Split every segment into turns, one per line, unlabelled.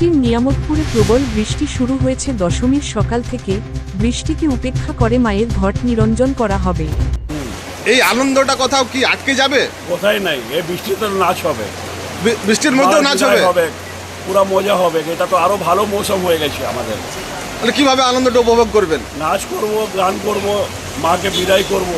কমিটির নিয়ামতপুরে প্রবল বৃষ্টি শুরু হয়েছে দশমীর সকাল থেকে। বৃষ্টিকে উপেক্ষা করে মায়ের ঘট নিরঞ্জন করা হবে।
এই আনন্দটা কোথাও কি আটকে যাবে?
কোথায় নাই, এই বৃষ্টিতে নাচ হবে,
বৃষ্টির মধ্যেও নাচ হবে,
পুরো মজা হবে। এটা তো আরো ভালো মৌসুম হয়ে গেছে আমাদের।
তাহলে কিভাবে আনন্দটা উপভোগ করবেন?
নাচ করব, গান করব, মাকে বিদায় করব।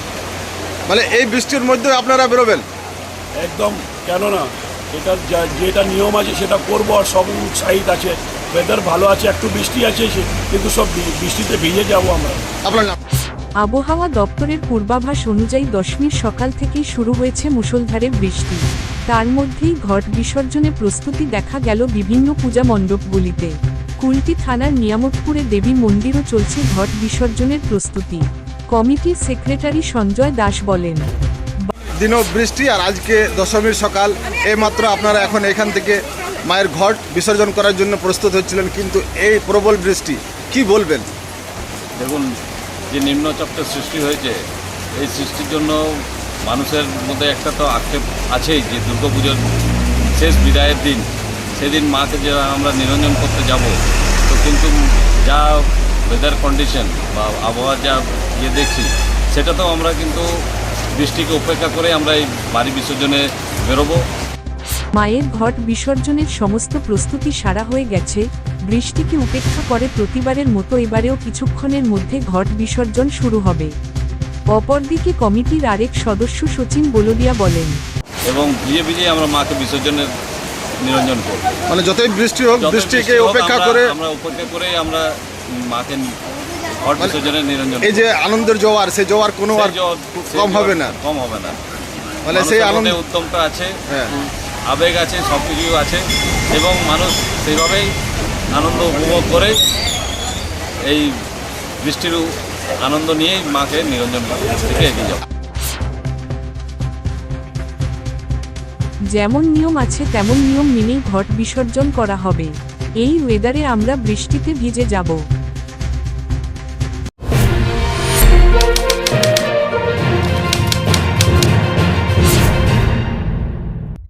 মানে এই বৃষ্টির মধ্যে আপনারা বেরোবেন?
একদম, কেন না, এটা যেটা নিয়ম আছে সেটা করব। আর সব উৎসাহিত আছে, ওয়েদার ভালো আছে, একটু বৃষ্টি আছে কিন্তু সব বৃষ্টিতে ভিজে যাব আমরা।
আপনার নাম?
আবহাওয়া দপ্তরের পূর্বাভাস অনুযায়ী দশমীর সকাল থেকেই শুরু হয়েছে মুষলধারে বৃষ্টি। তার মধ্যেই ঘট বিসর্জনে প্রস্তুতি দেখা গেল বিভিন্ন পূজা মণ্ডপগুলিতে। কুলটি থানার নিয়ামতপুরে দেবী মন্দিরও চলছে ঘট বিসর্জনের প্রস্তুতি। কমিটির সেক্রেটারি সঞ্জয় দাস বলেন,
দিনও বৃষ্টি আর আজকে দশমীর সকাল, এইমাত্র আপনারা এখন এখান থেকে মায়ের ঘট বিসর্জন করার জন্য প্রস্তুত হচ্ছিলেন, কিন্তু এই প্রবল বৃষ্টি, কি বলবেন?
দেখুন, যে নিম্নচাপটা সৃষ্টি হয়েছে, এই সৃষ্টির জন্য মানুষের মধ্যে একটা তো আক্ষেপ আছেই যে দুর্গাপুজোর শেষ বিদায়ের দিন, সেদিন মাকে যে আমরা নিরঞ্জন করতে যাব, তো কিন্তু যা ওয়েদার কন্ডিশন বা আবহাওয়া যা দেখছি, সেটা তো আমরা কিন্তু বৃষ্টিকে উপেক্ষা করে আমরা এই বাড়ি বিসর্জনে বেরোবো।
মায়ের ঘট বিসর্জনের সমস্ত প্রস্তুতি সারা হয়ে গেছে। বৃষ্টিকে উপেক্ষা করে প্রতিবারের মতো এবারেও কিছুক্ষণের মধ্যে ঘট বিসর্জন শুরু হবে। অপরদিকে কমিটির আরেক সদস্য সচিন বলদিয়া বলেন,
এবং ভিজে ভিজে আমরা মাকে বিসর্জনের নিরঞ্জন করব।
মানে যতই বৃষ্টি হোক, বৃষ্টিকে উপেক্ষা করে
আমরা মাকে ঘট বিসর্জনের নিরঞ্জন।
এই যে আনন্দের জোয়ার, সেই জোয়ার কোনো আর কম হবে না। মানে সেই আনন্দের
উদ্যমটা আছে, আবেগ আছে, সব কিছু আছে, এবং মানুষ সেইভাবেই আনন্দ উপভোগ করে এই বৃষ্টির আনন্দ নিয়েই মাকে নিরঞ্জন থেকে এগিয়ে যাবে।
যেমন নিয়ম আছে তেমন নিয়ম মেনেই ঘট বিসর্জন করা হবে। এই ওয়েদারে আমরা বৃষ্টিতে ভিজে যাব।